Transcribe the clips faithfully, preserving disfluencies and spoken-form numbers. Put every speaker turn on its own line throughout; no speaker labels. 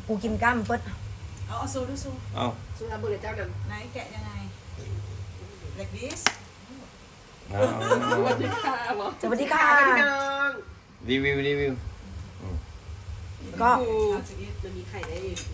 กูกินกล้ามเปิด
เอาเอาซูดูซู
เอา
สุราบุรีเจ้าเดิม
ไหนแกะยังไง like this
สวัสดีค่ะหมอ
สวัสดีค่ะ
พี่น้อง
รีวิวรีวิว
ก็
มันมีไข่ได้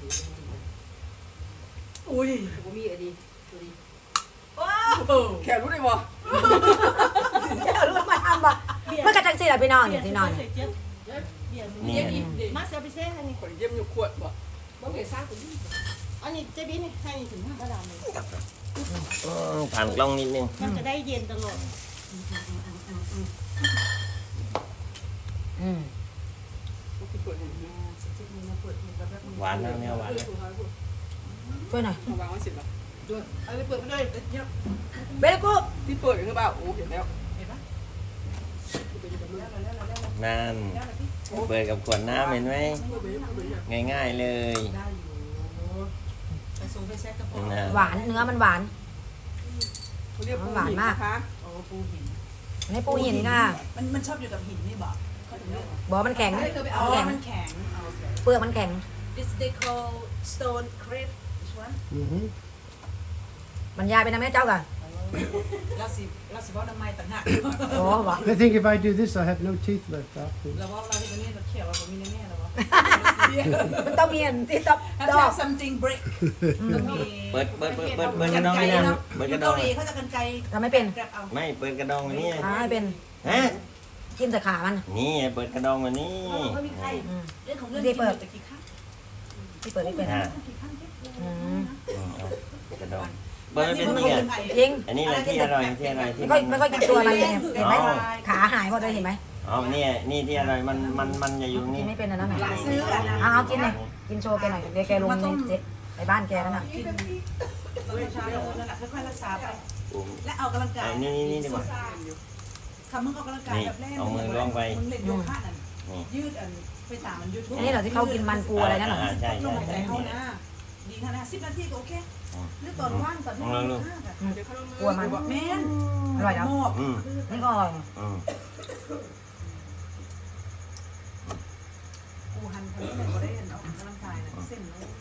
อุ้ย
ผมมีอันนี้ตัวนี้
ว้าว
แขกรู้ได้บ่
เดี๋ยวรู้มาทำบ่เมื่อกระจังสิล่ะพี่น้องเนี่ยพี่น้องเนี่ย
นี่
มาเสียไปเซ่ให้นี่
คนเยี่ยมอยู่ขวดบ่บ่เห็นซ่าคนนี้
อันนี้เจ๊บี้นี่ให้ถึงห้ากระดานเลย
อืมผ่านกล้องนิดนึง
มันจะได้เย็นตลอด
อืม
ที่เปิดเห็น
หวานแล้วเนี่ยหวานแล้ว
ช่วยหน่อย
วางไว้เสร็จแล้ว
ด้วยเอาไปเปิดไปเลยเยอะ
เบลกู
ที่เปิดคือเปล่าโอ้เห็นแล้ว
เห็นปะ
นั่นเปิดกับขวดน้ำเห็นไหมง่ายๆเลย
ได้อยู่ไปซูไปแซ่กระป๋อง
นะ
หวานเนื้อมันหวาน
เขาเรียกปู
หวานมาก
นะคะ
โอ้ปูหิน
อันนี้ปูหินนี่นะ
มันมันชอบอยู่กับหินนี่บอกเขาถึงเรียก
บอกมันแข็ง
เคยไปเอา
แข็ง
มันแข็งเอาโอเค
เปลือกมันแข็ง
This they call stone crab this one
บรรยายไปนะแม่เจ้ากัน
เราสิเราสิว่าน้ำไม้ต่างหาก
โอ้บอก
I think if I do this, I have no teeth left afterwards.
เราว่าเราที่ตรงนี้เราเขียวเราไม่แน่ๆเราว่า
มันต้องมีอันที่ต้อง
ถ้า
ดอก
ทำ something break ต้องมี
เปิดเปิดเปิดเปิดเปิดกระดองนี่นะเปิดกระด
เกา
อง
หลีเขาจะกันไกล
ทำไม่เป็น
แกร็บเอา
ไม่เปิดกระดองแบบนี้
ทำให้เป็น
ฮะ
จิ้มใส่ขามัน
นี่เปิดกระดองแบบนี้
เขามีใคร
อืม
เรื่องของเรื่อง
ที่เปิด
แต่กี่ครั้ง
ที่เปิดที่เปิด
อ่า
กี่ครั้ง
อืม
อืมเอากระดองเปิดไม่เป็นนี่อ่ะ
จริง
อันนี้แหละที่อร่อยที่อร่อยที่
ไม่ค่อยไม่ค่อยกินตัวอะไรเลยเนี่ยเห็นไหมขาหายหมดเลยเห็นไหม
อ๋อเนี่ยนี่ที่อร่อยมันมันมันจะอยู่
กิ
นี่
นไม่เป็นอันนั้นไหน
ซื้ออ่ะ
เอาเอากินเลยกินโชว์แกหน่อยเดี๋ยวแกลงในเจ๊ไปบ้านแกแล้วน่ะ
กินเราช้าๆนั่นแหละค่อยๆรักษาไป
ปุ่ม
และเอากำลังกาย
เอานี่นี่นี่ดีกว่า
คำมึงออกกำลังกายแบบแรก
เอามือล้วงไป
มึงเล่นโยคะนั่น
นี่
ยืดอันไปตามมันยืด
อันนี้เหรอที่เขากินมันปูอะไรนั่นเหรอ
อ่าใช่
ล
ใช่
มหายใจ
ใช่
เข้านะดีขนาดสิบนาทีก็โอเคหรือตอนว่างตอนที่
ลองดู
เดี๋ยวเขาลง
กลัวมัน
แม่น
อร่อยแล้ว
หมอบ
อืม
นี่ก็อร่อย
อืม
กูหันคนนี้เลยก็ได้เห็นออกกำลังกายนะเส้นเลย